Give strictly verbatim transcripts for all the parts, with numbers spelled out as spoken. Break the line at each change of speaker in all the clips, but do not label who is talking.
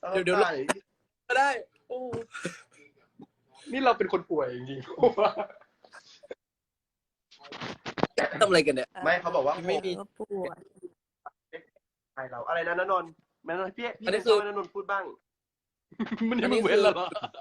เดี๋ยวเดี๋ยวก็ได้โอ้
นี่เราเป็นคนป่วยจริงๆ
ทำอะไรกันเนี่ย
ไม่เขาบอกว่า
ไม่มี
ป่วยใครเราอะไรนะณนนท์แม่นนท์พี่พี่ให้ณนนท์พูดบ้าง
มันยังไม่เว้นหรอ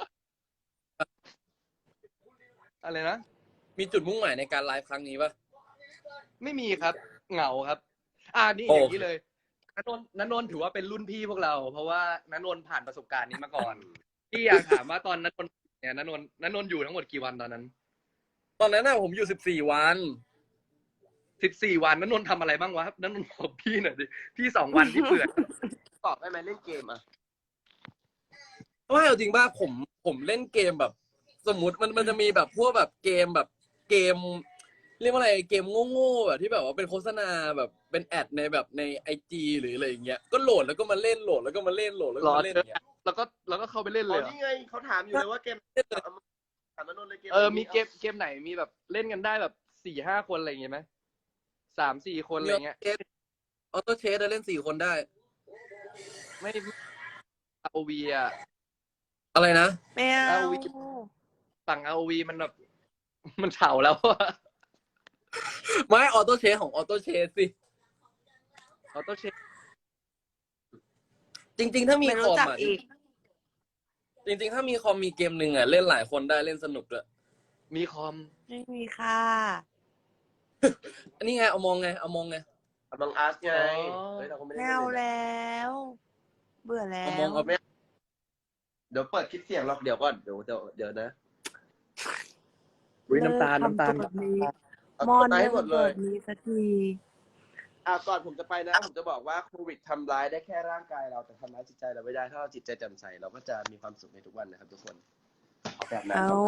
อะไรนะ
มีจุดมุ่งหมายในการไลฟ์ครั้งนี้ป่ะ
ไม่มีครับเหงาครับอ่านี่อย่างนี้เลยณนนท์ณนนท์ถือว่าเป็นรุ่นพี่พวกเราเพราะว่าณนนท์ผ่านประสบการณ์นี้มาก่อนพี่อยากถามว่าตอนณนนท์เนี่ยณนนท์ณนนท์อยู่ทั้งหมดกี่วันตอนนั้น
ตอนนั้นน่ะผมอยู่สิบสี่วัน
สิบสี่วันณนนท์ทำอะไรบ้างวะณนนท์บอกพี่หน่อยดิพี่สองวันที่เปื่อย
ตอบได้ไหมเล่นเกมอ่ะ
ไม่เอาจริงป่ะผมผมเล่นเกมแบบสมมติมันมันจะมีแบบพวกแบบเกมแบบเกมเรียกว่าอะไรเกมโง่ๆแบบที่แบบว่าเป็นโฆษณาแบบเป็นแอดในแบบในไอจีหรืออะไรอย่างเงี้ยก็โหลดแล้วก็มาเล่นโหลดแล้วก็มาเล่นโหลดแล้วก็มาเล่นอย่างเงี้ย
แล้วก็แล้วก็เข้าไปเล่นเลย
นี่ไงเขาถามอยู่เลยว่าเกมถามณนนท์เลยเกม
เออมีเกมเกมไหนมีแบบเล่นกันได้แบบสี่ห้าคนอะไรอย่างเงี้ยไหมสามสี่คนอะไรเงี้ย
ออโต้เชสเล่นสี่คนได้
ไม่อาโอวีอะ
อะไรนะ
ไม่เอา
ฝั่งอาโอวีมันแบบมันเฉาแล้วอะ
ไม่ออโต้เชสของออโต้เชสสิ
ออโต้เชส
จริงๆถ้ามีคอมอ่ะจริงๆถ้ามีคอมมีเกมหนึ่งอ่ะเล่นหลายคนได้เล่นสนุกด้วย
มีคอม
ไม่มีค่ะ
อันนี้ไงเอามองไงเอามองไง
เอามองอาร์ตไงเฮ้ยเราก็ไม่ได้เอาแล้วเบื่อแล้ว
เอามองเอา
เดี๋ยวเปิดคลิปเสียงหรอกเดี๋ยวก่อนเดี๋ยวเดี๋ยวเดี๋ยวนะ
น้ำตาลน้ำตาล
มอนให้หมดเลยมีสักทีอ่ะก่อนผมจะไปนะผมจะบอกว่าโควิดทำร้ายได้แค่ร่างกายเราแต่ทำร้ายจิตใจเราไม่ได้ถ้าเราจิตใจแจ่มใสเราก็จะมีความสุขในทุกวันนะครับทุกคนแบบนั้นเอา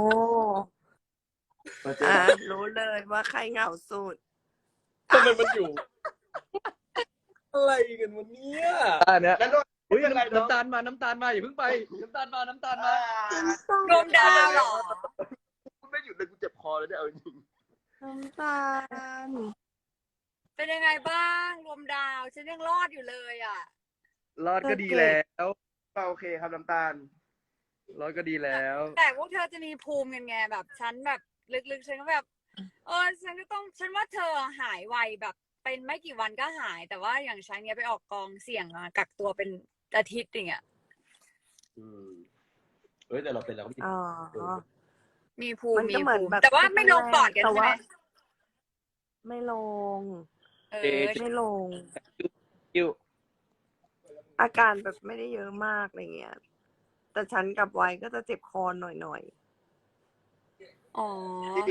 อ่ะรู้เลยว่าใครเหงาสุด
ทำไมมันอยู่อะไรกันวันนี้
อ่ะเนี่ยอุ้ยน้ำตาลมาน้ำตาลมาอย่าเพิ่งไปน้ำตาลมาน้ำตาลมาร
วมดาวหรอ
ไม่หยุดเลยกูเจ็บคอแล้วเนี่ยเอาจริงน้ำตาล
เป็นยังไงบ้างรวมดาวฉันยังรอดอยู่เลยอ่ะ
รอดก็ดีแล้ว
โอเคครับน้ำตาล
รอดก็ดีแล้ว
แต่พวกเธอจะมีภูมิกันไงแบบฉันแบบลึกๆฉันก็แบบเออฉันก็ต้องฉันว่าเธอหายไวแบบเป็นไม่กี่วันก็หายแต่ว่าอย่างฉันเนี้ยไปออกกองเสี่ยงมากักตัวเป็นอาทิตย์อย่างเงี้ย
อืมเฮ้ยแต่เราเป็นแล้ว
อ๋อมีภูมิมีภูมิแต่ว่าไม่ลงปอดกันใช่ไหม
ไม่ลง
เออ
ไม่ลง
คิว
อาการแบบไม่ได้เยอะมากอะไรเงี้ยแต่ฉันกับไว้ก็จะเจ็บคอหน่อย
ๆอ๋อ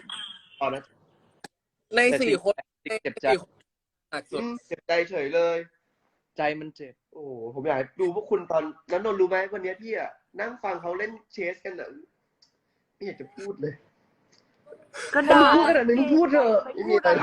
ในสี่คน
เจ็บใจ
หนักสุด
เจ็บใจเฉยเลย
ใจมันเจ็บ
โอ้ผมอยากดูพวกคุณตอนนั้นนนรู้ไหมวันนี้พี่อะนั่งฟังเขาเล่นเชสกันอะไม่อยากจะพูดเลย
ก็ได้พูดขนาดนี้พูดเถอะ
ไม่มีอะไร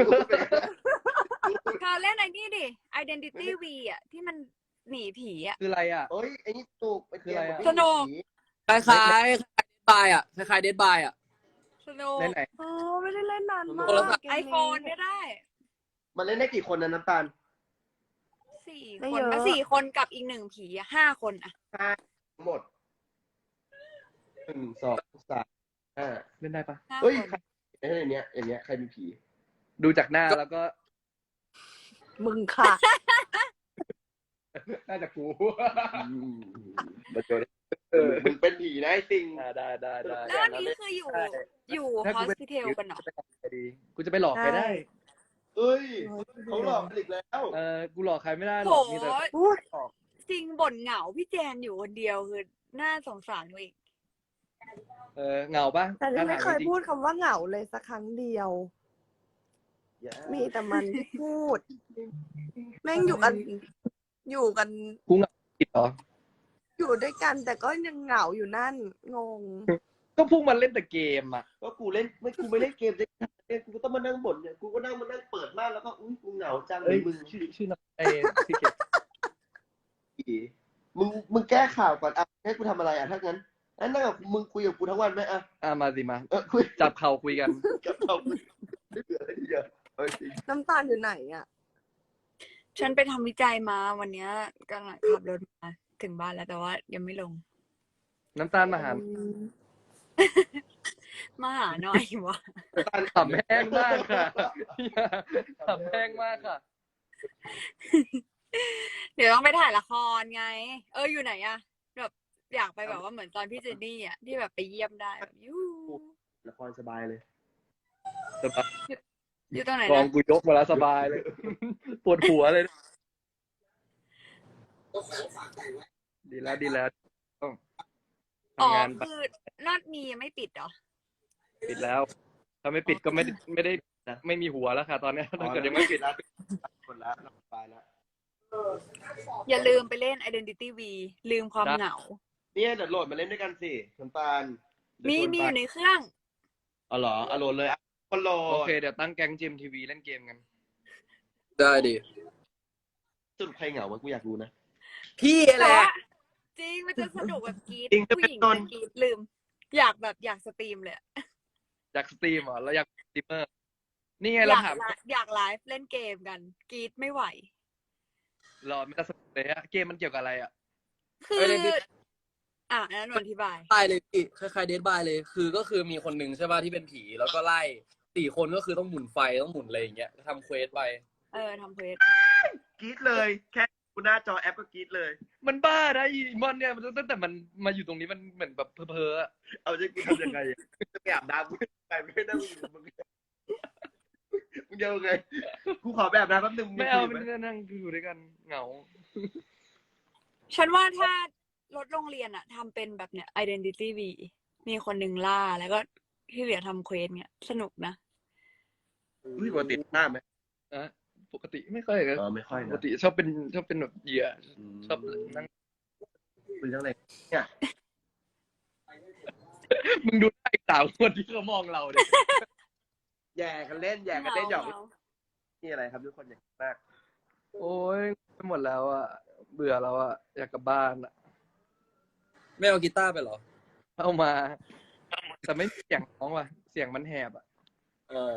เธอเล่นไอ้นี่ดิ Identity V อ่ะที่มันหนีผีอ่ะ
คืออะไรอ่ะ
เอ้ยไอ้นี่ตูกเป็นเกม
สนุก
คล้ายคล้ายเดดบายอ่ะคล้ายคล้ายเดดบายอ่ะ
สนุก
เล่นไหน
อ๋อไม่ได้เล่นนานมาก
ไอโฟนก็ได้
มันเล่นได้กี่คนนะน้ำตาล
สี่คนก็สี่คนกับอีกหนึ่งผีอ่ะห้าคนอ่ะ
ห้าหมดหนึ่งสองสามห้า
เล่นได้ปะ
เฮ้ยไอ้เนี้ยอย่างเงี้ยใครมีผี
ดูจากหน้าแล้วก็
มึงค่ะ
น่าจะกู
มาเจอเออมึงเป็นผีนะไอ้ติง
ได้ได้ได้
แล้วอันนี้คืออยู่อยู่ฮอสพิทอลกันเหรอ
กูจะไปหลอกใครได้
เอ้ยเขาหลอกอีกแล้ว
เออกูหลอกใครไม่ได้หรอกมีแต่
จริงบ่นเหงาพี่แจนอยู่คนเดียวคือน่าสงสารอีก
เออเหงาปะ
แต่ไม่เคยพูดคำว่าเหงาเลยสักครั้งเดียวมีแต่มันพูดแม่งอยู่กันอยู่กัน
กูเหงาผิดเหรอ
อยู่ด้วยกันแต่ก็ยังเหงาอยู่นั่นงง
ก็พวกมันเล่นแต่เกมอ่ะ
ก็กูเล่นไม่กูไม่เล่นเกมเลยกูต้องมานั่งบ่นเนี่ยกูก็นั่งมานั่งเปิดม่านแล้วก็อุ้ยกูเหงาจังเลยมึง
ชื่อชื่อไอ้ที่เก็บ
มึงมึงแก้ข่าวก่อนอ่ะให้กูทำอะไรอ่ะถ้างั้นนั่นนั่งกับมึงคุยกับกูทั้งวันไหมอ่ะ
อ่ะมาสิมา
เออคุย
จับเข่าคุยกัน
จับเข่าคุยไม่เบื่ออะไรเยอะน้ำตาลอยู่ไหนอ่ะ
ฉันไปทำวิจัยมาวันเนี้ยกำลังขับรถมาถึงบ้านแล้วแต่ว่ายังไม่ลง
น้ำตาลมาหา
มาหาหน่อยวะ
ขำแห้งมากค่ะขำแห้งมากค่ะ
เดี๋ยวต้องไปถ่ายละครไง เอออยู่ไหนอะแบบอยากไปแบบว่าเหมือนตอนพี่เจนนี่อะที่แบบไปเยี่ยมได้แบบยู
ละครสบายเลย
สบาย
อยู่ตรงไหน
กอง
นะ
กูยกมาแล้วสบายเลย ปวดหัวเลย ดีแล้วดีแล้วต้อง
อ๋อ
ทำงานไป
คือลาดมียังไม่ปิดเหรอ
ปิดแล้ว ถ้าไม่ปิดก็ไม่ได้ไม่ได้ไม่มีหัวแล้วค่ะ ตอนเนี้ยถ้าเกิดยังไม่ปิด
แล้วคนละสบายแล้ว
อย่าลืมไปเล่น Identity V ลืมความ
ได้
เหงา
เนี่ยเดี๋ยวโหลดมาเล่นด้วยกันสิน้ำตาล
มีมีอยู่ในเครื่อง
อ๋อเหรอเอาโหลดเลยอ่ะคนโหลด
โอเคเดี๋ยวตั้งแก๊งจิมทีวีเล่นเกมกัน
ได้ดิ
สรุปใครเหงาวะกูอยากรู้นะ
พี่แห
แต่
ละ
ว่าจริงมันจะสนุกแบบกรีด
จริงจะ
ผู้
เป็น
หญิง
นน
จะกรีดลืม อยากแบบอยากสตรีมเลยอะ
อยากสตรีมเหรอแล้วอยากสตรีมเมอร์ นี่ไง
อ
เรา
ยาก
ถาม
ไลฟ์อยากไลฟ์เล่นเกมกันกรีดไม่ไหว
รอไม่ได้สนุกเลยฮะเกมมันเกี่ยวกับอะไรอ่ะ
คือ
Identity
อ่ะอันนั้นหนูอธิบาย
บายเลยพี่คล้ายๆเดดบายเลย คือก็คือมีคนหนึ่งใช่ป่ะที่เป็นผีแล้วก็ไล่สี่คนก็คือต้องหมุนไฟต้องหมุนอะไรอย่างเงี้ยทำเควสไป
เออทำเควส
กรี๊ดเลย แค่กูหน้าจอแอปก็กรี๊ดเลย
มันบ้านะอีมอนเนี่ยมันตั้งแต่มันมาอยู่ตรงนี้มันเหมือนแบบเพ้อๆอะ
เอาจะกูทำยังไงอะจะไปอาบน้ำกูไปไม่ได้มึงอยู่มึงมึงจะยังไงกูขอไปอาบน้ำแป๊บนึงง
ไม่เอา
คุ
เป็
ย
น
ไหม
นั่งอยู่ด้วยกันเหงา
ฉันว่าถ้ารถโรงเรียนอะทำเป็นแบบเนี้ย Identity V มีคนหนึ่งล่าแล้วก็ที่เหลือทำเควสเนี่ยสนุกนะ
อุ้ยปกติหน้าไหม
นะปกติไม่ค่อยเลย
เออไม่ค่อย
ป
นะ
กติชอบเป็นชอบเป็นแบบเหยื่อชอบนั่ง
คุยเรื่องอะไรเนี่ย
มึงดูหน้าอีกสาวคนที่เขามองเราเนี่ย
แย่กันเล่นแย่กันเล่นหยอก
เหงา
นี่อะไรครับทุกคนอย่างมาก
โอ้ยไปหมดแล้วอะเบื่อแล้วอะอยากกลับบ้านอะ
ไม่เอากีตาร์ไปเหรอ
เอามา แต่ไม่มีเสียงร้องว่ะเสียงมันแหบอะ
อ๋อ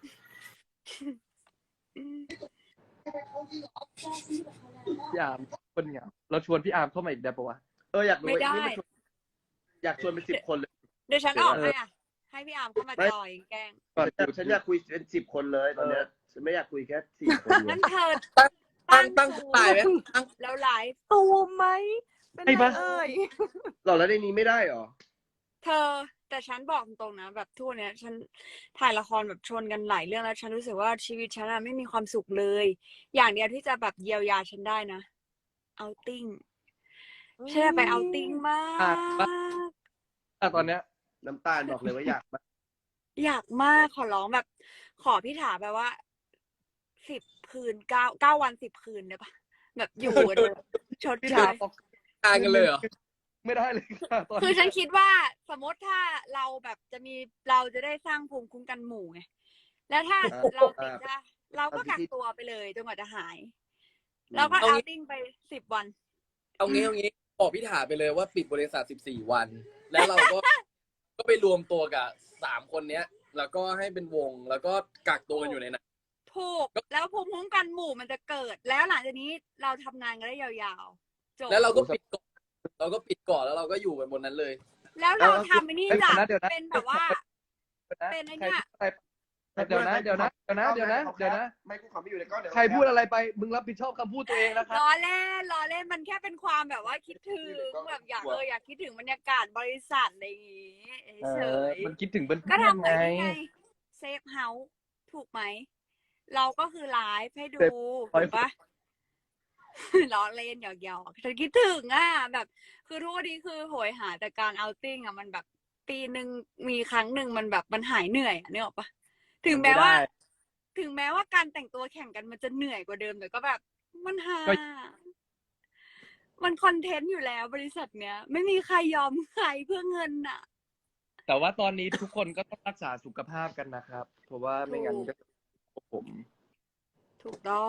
พี่อาร์มคนเหงาเราชวนพี่อาร์มเข้ามาอีกได้ปะวะ
เอออยากรู้
ไม่ได้
นี่นชวนอยากชวนเป็นสิบคนเลย
เดี๋ยวฉันออกให้อ่ะ ให้พี่อาร์มเข้ามา
ไม่
จอยแกล้ง
ฉันอยากฉันอยากคุยเป็นสิบคนเลยตอนเนี้ยฉันไม่อยากคุยแค่สี่คนเล
นั่
ย
นเธอ
ตั้งตั้งตายไหมตั้ง
แล้วไลฟ์
ตูมไหมเป็น
ไอ้
ไร
บ้า
เอ่ย
หรอแล้วในนี้ไม่ได้หรอ
เธอ แต่ฉันบอกตรงๆนะแบบทั่วเนี้ยฉันถ่ายละครแบบชนกันหลายเรื่องแล้วฉันรู้สึกว่าชีวิตฉันอะไม่มีความสุขเลย อย่างเดียวที่จะแบบเยียวยาฉันได้นะเอาติ้งฉันอยากไปเอาติ้งมาก
อ่ะตอนเนี้ย
น้ำตาลบอกเลยว่าอยากมา
อยากมากขอร้องแบบ ขอพี่ถาแบบว่าสิบคืนเก้าเก้าวันสิบคืนได้ปะแบบอยู่กันเลยชด
พี่
เช
ถาม
ย
บอก
กลางกันเลยเหรอ
ไม่ได้เลยค่ะตอน
คือ
นี้
ฉันคิดว่าสมมติถ้าเราแบบจะมีเราจะได้สร้างภูมิคุ้มกันหมู่ไงแล้วถ้าเราติดจะเราก็กักตัวไปเลยจนกว่าจะหาย แล้วก็
เอา
เอา
งี้
ติ้งไปสิบวัน
เอางี้เอางี้บอกพี่ถาไปเลยว่าปิดบริษัทสิบสี่วัน แล้วเราก็ ก็ไปรวมตัวกับสามคนเนี้ย แล้วก็ให้เป็นวงแล้วก็กักตัวกันอยู่ในนั้น
ถูกแล้วภูมิคุ้มกันหมู่มันจะเกิด แล้วหลังจากนี้เราทำงานกันได้ยาวๆจบ
แล้วเราก็ปิดก่อนเราก็ปิดก่อนแล้วเราก็อยู่กันบนนั้นเลย
แล้วเราทำไอ้นี่จ้ะ
เดี๋ยวนะ
เป็นแบบว่า
เดี๋ยวนะ
เป็นไอ้เนี่ย
ใครเดี๋ยวนะเดี๋ยวนะเดี๋ยวนะเดี๋ยวนะเดี๋ยวนะ
ไม่กูขอไม่อยู่ในกล้องเดี๋ยว
ใครพูดอะไรไปมึงรับผิดชอบคำพูดตัวเองนะครับ
ล้อเล่นล้อเล่นมันแค่เป็นความแบบว่าคิดถึงแบบอยากเอออยากคิดถึงบรรยากาศบริษัทอะไรอย่างงี้
เอ
เฉ
อย มันคิดถึงเป็น
ก็
เพื่อน
ทำไป
ไง
ไงเซฟเฮาส์ถูกไหม เราก็คือไลฟ์ให้ดู
Safe
ถูกปะ ล้อเล่นหยอกๆฉันคิดถึงอ่ะแบบ คือทุกวันนี้คือโหยหาแต่การเอาติ้งอ่ะมันแบบปีหนึ่งมีครั้งหนึ่งมันแบบมันหายเหนื่อยอ่ะนึกออกปะถึงแม้ว่า
ไม่ได้
ถึงแม้ว่าการแต่งตัวแข่งกันมันจะเหนื่อยกว่าเดิมแต่ก็แบบมันหา
ก็
มันคอนเทนต์อยู่แล้วบริษัทเนี้ย ไม่มีใครยอมใครเพื่อเงินน่ะ
แต่ว่าตอนนี้ทุกคนก็ต้องรักษาสุขภาพกันนะครับ เพราะว่าไม่งั้นก็ผม
ถูกต้อง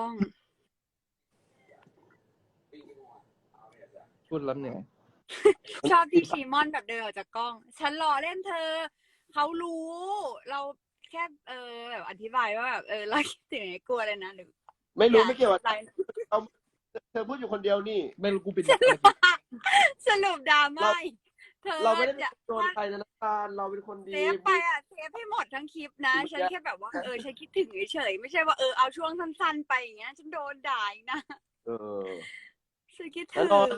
พูดแล้วเหนื่อย
ชอบที่ชีมอนแบบเดินออกจากกล้อง ฉันรอเล่นเธอ เขารู้ เราแค่เออแบบอธิบายว่าแบบเออเราคิดถึงไอ้กลัวเลยนะหรือ
ไม่รู้ไม่เกี่ยวกับ
อะไร
เอาเธอพูดอยู่คนเดียวนี่
ไม่รู้กูปิด
สรุปดราม่าเธอ
เราไม่ได้
จะ
โดนใครนะน้ำตาลเราเป็นคนดี
เซฟไปอ่ะเซฟให้หมดทั้งคลิปนะ ฉันแค่แบบว่าเออฉันคิดถึงเฉยๆไม่ใช่ว่าเออเอาช่วงสั้นๆไปอย่างเงี้ยฉันโดนด่าอีกนะ
เออ
ฉันคิด
แล้
ถึ
ว
ง
ก็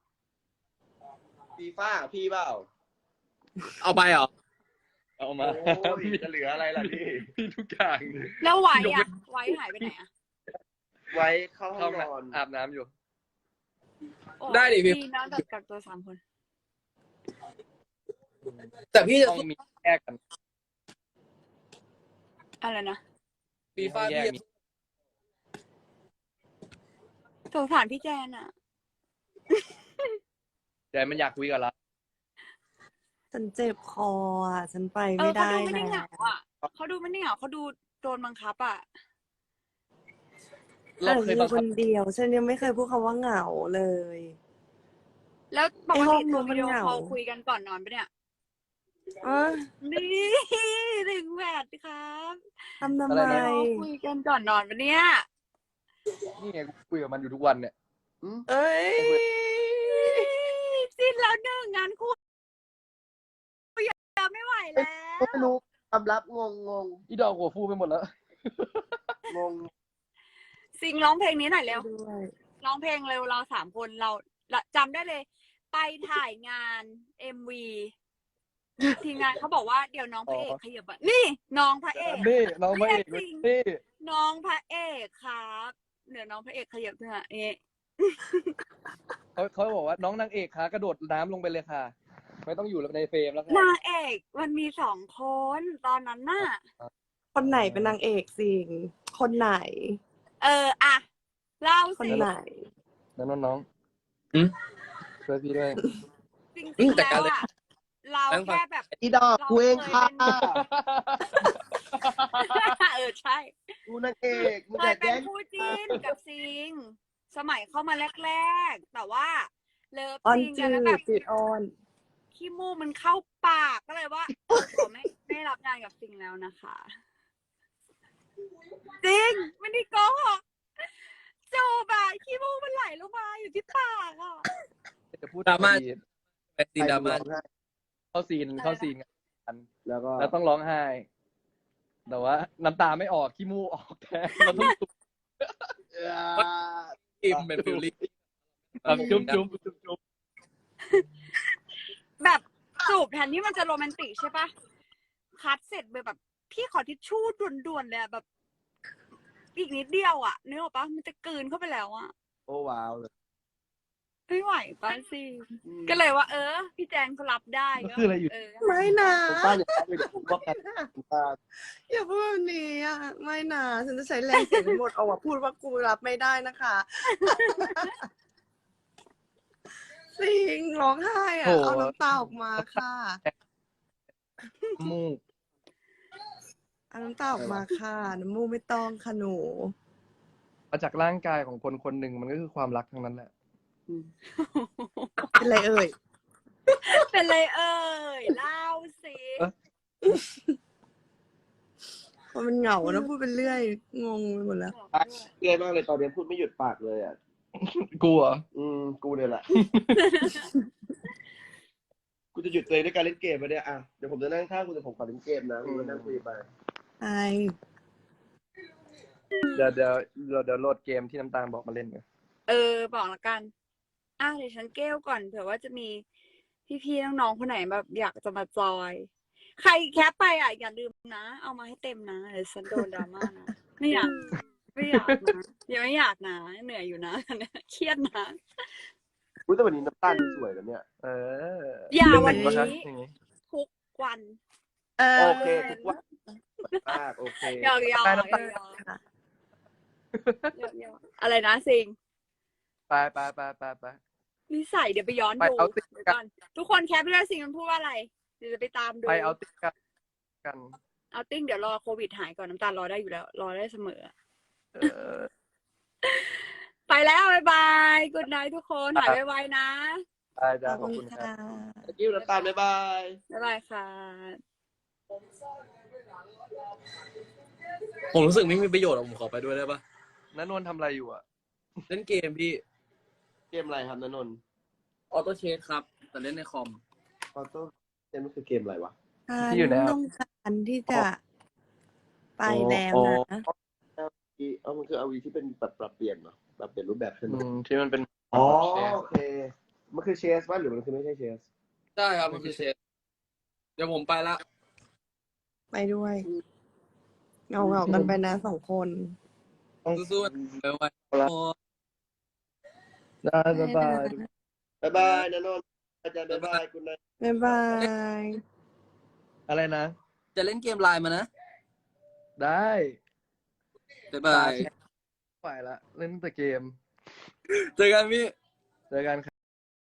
ฟีฟ่าพี่เปล่า
เอาไปเหรอ
เอามา
โอ้ยจะเหลืออะไรล่ะพี่
พี่ทุกอย่าง
แล้วไว้อ่ะไว้หายไปไหนอ่ะ
ไว้เข้าห้
เข้า
องนอน
อาบน้ำอยู่
โอ้
ได้ดิพี่
น้องกับตัวสามคน
แต่พี่จะ
ต้อง
สู้
มีแยกกัน
อะไรนะ
ฟีฟ่า
แย
พี่
กมี
สงสารพี่แจนอ่ะ
แต่มันอยากคุยกับเรา
ฉันเจ็บคออ่ะ ฉันไป
เอ
ไม่
อเขา
ได้
ดูไม่ได้เห
แล้
งาว อ่ะเขาดูไม่ได้เหงาเขาดูโดนบังคับอ่ะ
เราเคยบัง
ค
คับ
นเดียว ฉันยังไม่เคยพูดคำว่าเหงาเลย
แล้วปก
ไอ้ห้
ติ
องนู้
เธอน
มั
วิ
น
ดีโอ
เหงา
คอลคุยกันก่อนนอนปะเนี่ย
อ่ะ
นี่ถึงแหวนครับ
ทำทำ
อะไร
ไม
นะ
คุยกันก่อนนอนปะเนี่ย
นี่ไงกูคุยกับมันอยู่ทุกวันเนี่ย
เอ้ย
สิ้นแล้วหนึ่งงานคู่ยังไม่ไหวแล้ว
ไม่รู้ความลับงงงง
อีดอกหัวฟูไปหมดแล้ว
งง
ซิงร้องเพลงนี้หน่อยเร็ว
ด้วย
ร้องเพลงเร็วเราสามคนเราเราจำได้เลย ไปถ่ายงานเอ็มวีทีมงานเขาบอกว่าเดี๋ยวน้องพระเอก
อ๋อ
ขยับมานี่น้องพระเอก
นี่น้องพระเอก
เรียกจริง
นี่
น้องพระเอกครับเดี๋ยวน้องพระเอกขยับเถอะนี่
เขาเขาบอกว่าน้องนางเอกค่ะกระโดดน้ำลงไปเลยค่ะ ไม่ต้องอยู่ในเฟรมแล้วค่ะ
นางเอกมันมีสองคนตอนนั้นน่ะ
คนไหนเป็นนางเอกสิง คนไหน
เอออะเล่า
คน
สิ
ไหน
แล้วน้อง
อืม
ๆช่วยพี่ด้วย
จริง
อืม
ๆ
แต่
แล้
การ
ว
เลย
อะเราแค่แบบ
อีดอกกูเองค่ะ
เออใช่
กูนางเอกมึง
เค
อย ยาก
เป็
แย่
น
ง
คู่จิ้นกับซิง สมัยเข้ามาแรกๆ แต่ว่าเลิฟ
ออน
ซิง
จื
กันแล้ว
ด
แบบ
จืดออน
ขี้มูกมันเข้าปากก็เลยว่าขอไม่ไม่รับงานกับซิงแล้วนะคะจริงไม่ได้โกหกจูบอะขี้มูกมันไหลลงมาอยู่ที่ปากอะ
จะพูด
ดราม่า
ดี
แต่ซีนดราม่า
เข้าซีนเข้าซีนกัน
แล้วก็
แล้วต้องร้องไห้ แต่ว่าน้ำตาไม่ออกขี้มูกออกแทนเราต้องจุ๊บ
อิมเป็นฟิลลิ่ง
จุ๊บจุ๊บจุ๊บจุ๊บ
แบบจูบแทนที่มันจะโรแมนติกใช่ปะคัดเสร็จไปแบบ พี่ขอทิชชู่ด่วนๆเลยอะแบบ อีกนิดเดียวอะนึกออกปะมันจะกลืนเข้าไปแล้วอะ
โอ้ว้าวเลย
ไม่ไหวปะสิก็เลยว่า เออ พี่แจงเขารับได้
มัน
ก็
คืออะไรอยู่
เออ
ไม่นะ
ผมป้าอย่าไปผมว่ากันผมป้า
อย่าพูดแบบนี้อ่ะ ไม่นะ ฉันจะใช้แรงเสียงทั้งหมดเอาว่าพูดว่ากูรับไม่ได้นะคะ สิงร้องไห้อ่ะ
โห
เอาน้ำตาออกมาค่ะ
มูก
เอาน้ำตาออกมาค่ะ น้ำมูกไม่ต้องค่ะหนู
มาจากร่างกายของคนคนหนึ่งมันก็คือความรักทั้งนั้นแหละ
เป็นไรเอ่ย
เป็นเลยเอ่ยเล่าสิ
มันเหงานะพูดเป็นเรื่อย งงไปหมดแล้ว
เกยมากเลยตอนนี้พูดไม่หยุดปากเลยอ่ะ
กลัว
อืมกูเนี่ยแหละ กูจะหยุดตัวเองด้วยการเล่นเกมไปเนี่ยอ่ะเดี๋ยวผมจะนั่งข้างคุณแต่ผมขอเล่นเกมนะคุณนั่งคุยไป
ใช่
เดี๋ยวเดี๋ยวเดี๋ยวเดี๋ยวโหลดเกมที่น้ำตาลบอกมาเล่นกัน
เออบอกละกันอ่ะเดี๋ยวฉันเกลก่อนเผื่อว่าจะมีพี่ๆน้องๆคนไหนแบบอยากจะมาจอย ใครแคปไปอ่ะอย่าลืมนะ เอามาให้เต็มนะเดี๋ยวฉันโดนดราม่านะไม่อยากไม่อยากนะยังไม่อยากนะเหนื่อยอยู่นะเครียดนะ
อุ้ยแต่วันนี้น้ำตาลดูสวยแล้วเนี่ย
เออ
อย่าวัน
เป็ไงบ้ง
นี้
คะอย่างงี้
ทุกวัน
เออ
โอเคทุกวันมากโอเค
หยอกหยอก
ได้
หย
น้ำตาล
อก
ค่ะ
หยอกอะไรนะซิง
ไปไปไปไปไป
นิสัยเดี๋ยวไปย้อน
ไป
ดู
เอาติ๊ก
เดี๋ยวก่อนทุกคนแคปไปแล้วซิงมันพูดว่าอะไรเดี๋ยวจะไปตามดู
ไปเอาติ๊กกันกัน
เอาติ้งเดี๋ยวรอโควิดหายก่อนน้ำตาลรอได้อยู่แล้ว รอได้เสมอ
เออ
ไปแล้วบ๊ายบายกุดไนทุกคนหายไวๆนะ
ได้จ้า
ข
ข
อ
อ
บบ คุ
คุณ ณค
ค่ะ
รับ
ตะกี้น้ำตาลบ๊ายบาย
บ๊ายบายค่ะ
ผมรู้สึกไม่มีประโยชน์อะผมขอไปด้วยได้ปะ
นันนนท์ทำอะไรอยู่อ่ะ
เล่นเกมพี่
เกมอะไรครับนนนท์
ออโต้เชสครับ แต่เล่นในคอม
ออโต้เกมมันคือเกมอะไรวะ
ที่อยู่ใน
ฉันต้องการที่จะไปแล้วนะ
อีเออมันคืออาวีที่เป็นแบบปรับเปลี่ยนเหรอปรับเปลี่ยนรูปแบบใช่ไหม
อืมที่มันเป็น
อ๋อโอเค มันคือเชสป่ะหรือมันคือไม่ใช่เชส
ใช่ครับ มันคือเชส เดี๋ยวผมไปละ
ไปด้วยเงาเงาๆกันไปนะสองคน
สู้ๆไปไว้
ได้บ๊ายบาย
บ๊ายบายนนนท์อาจารย์บ๊ายบายคุณนาย
บ๊ายบาย
อะไรนะ
จะเล่นเกมไลน์มานะ
ได้
บ๊ายบาย
ไปละเล่นแต่เกม
เจอกันพี่
เจอกัน